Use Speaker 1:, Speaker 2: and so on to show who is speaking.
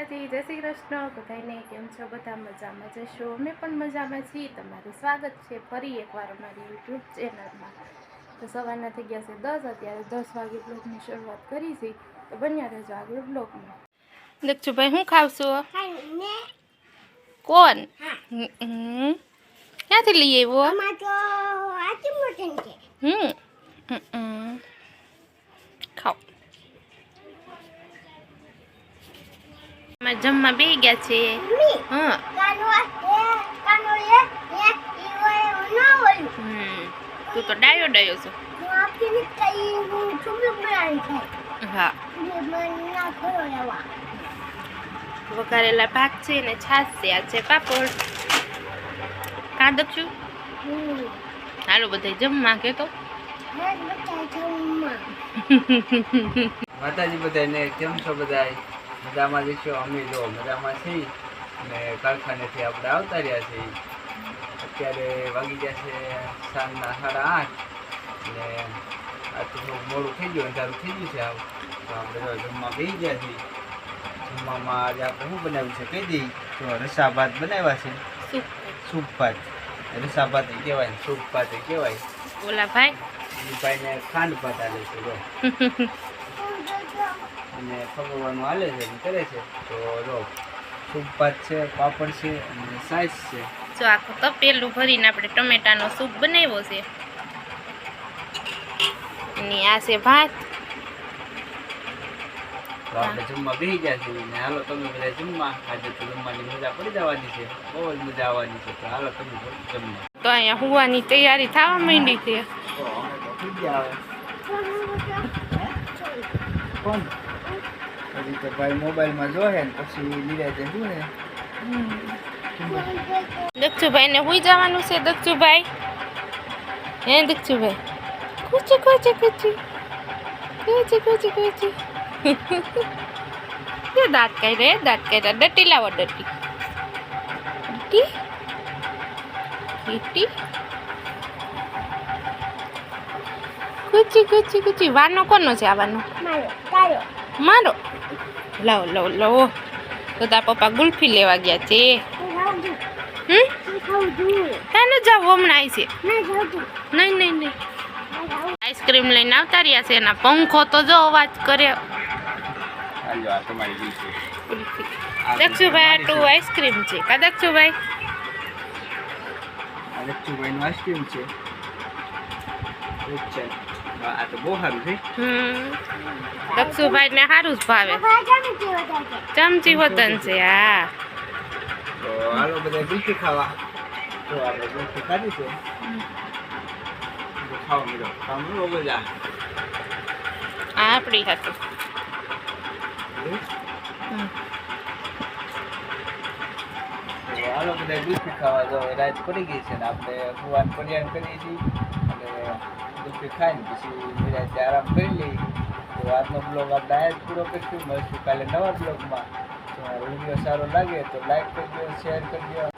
Speaker 1: માતાજી, જય શ્રી કૃષ્ણ. બધાને કેમ છો? બધા મજામાં જશો? અમે પણ મજામાં છીએ. તમારું સ્વાગત છે ફરી એકવાર અમારી યુટ્યુબ ચેનલમાં. તો સવારના થઈ ગયા છે 10, અત્યારે 10 વાગે બ્લોગની શરૂઆત કરી છે. તો બન્યા રહેજો આગળ બ્લોગમાં. દક્ષુભાઈ શું ખાવશો? કોણ? ક્યાંથી લઈ આવ્યો? ખાઓ. જમવા બે ગયા છે. હા, તું તો ડાયો ડાયો છો. હા, વઘારેલા ભાત છે ને છાશ છે. આ છે પાપડ. કાં દક્ષુ? હાલો બધા જમવા કે તો.
Speaker 2: માતાજી બધાને કેમ છો? બધા મજામાં જશો? અમે જો મજામાં છીએ અને કારખાનેથી આપણે આવતા રહ્યા છીએ. અત્યારે વાગી ગયા છે સાંજના 8:30 અને આ તો મોડું થઈ ગયું, અંધારું થઈ ગયું છે. તો આપણે જો જમવા બેસી ગયા છીએ. જમવામાં આજે આપણે શું બનાવ્યું છે કહી દઈએ તો રસા ભાત બનાવ્યા છે. સૂપ ભાત. રસા ભાત કહેવાય, સૂપ ભાત કહેવાય.
Speaker 1: ઓલા ભાઈ
Speaker 2: ભાઈને ખાંડ ભાત હાલે છે જો અને ખગવાનું હાલે છે કરે છે. તો જો સૂપ ભાત છે, પાપડ છે અને સાઈઝ છે.
Speaker 1: જો આખું તપેલું ભરીને આપણે ટમેટાનો સૂપ બનાવ્યો છે. અને આ છે ભાત.
Speaker 2: તો આપણે જમવા બેસી ગયા છીએ ને હાલો તમે બધા જમવા. આજે તો જમવાની મજા પડી જવાની છે, બહુ જ મજા આવવાની છે. તો હાલો તમે જમવા.
Speaker 1: તો અહીંયા હુવાની તૈયારી થવા માંડી છે.
Speaker 2: તો અમે તો થઈ ગયા હવે. કોણ હજી તો ભાઈ મોબાઈલમાં જોહે ને પછી નિરાતે શું ને
Speaker 1: દક્ષુભાઈ ને હુઈ જવાનું છે. દક્ષુભાઈ હે દક્ષુભાઈ કુચી કુચી કુચી કુચી કુચી કુચી દાંત કાઢે, દાંત કાઢ્યા. ડટી લાવો, ડટી ડટી ડટી કુચી કુચી કુચી. વાનો કોનો છે? આવવાનો મારો. લાવો લાવો લાવો. તો તાર પપ્પા ગુલ્ફી લેવા ગયા છે. તાને જાવ હમણાં આવી છે. નહીં નહીં નહીં, આઈસ્ક્રીમ લઈને આવતા રહ્યા છે. એના પંખો તો જો અવાજ કરે. દક્ષુભાઈ આટલું આઈસ્ક્રીમ છે કા દક્ષુભાઈ?
Speaker 2: દક્ષુભાઈ નું આઈસ્ક્રીમ છે. આ તો બહુ સારું છે.
Speaker 1: દક્ષુભાઈ ને સારું જ ભાવે. ચમચી વતન છે. હા,
Speaker 2: તો હાલો બધા ગુલ્ફી ખાવા. તો આપણે ગુલ્ફી ખાધી છે. ખાવા મળો, ખાવા મળો બધા.
Speaker 1: આ આપણી હતું.
Speaker 2: તો હાલો બધા ગુલ્ફી ખાવા. જો રાત પડી ગઈ છે ને આપણે ભગવાન કલ્યાણ કરીએ છીએ અને ગુલ્ફી ખાઈને પછી નિરાંતે આરામ કરી લઈએ. તો આજનો બ્લોગ આપણે આ જ પૂરો કરીશું. મળશું કાલે નવા બ્લોગમાં. તો વિડીયો સારો લાગે તો લાઈક કરજો, શેર કરજો.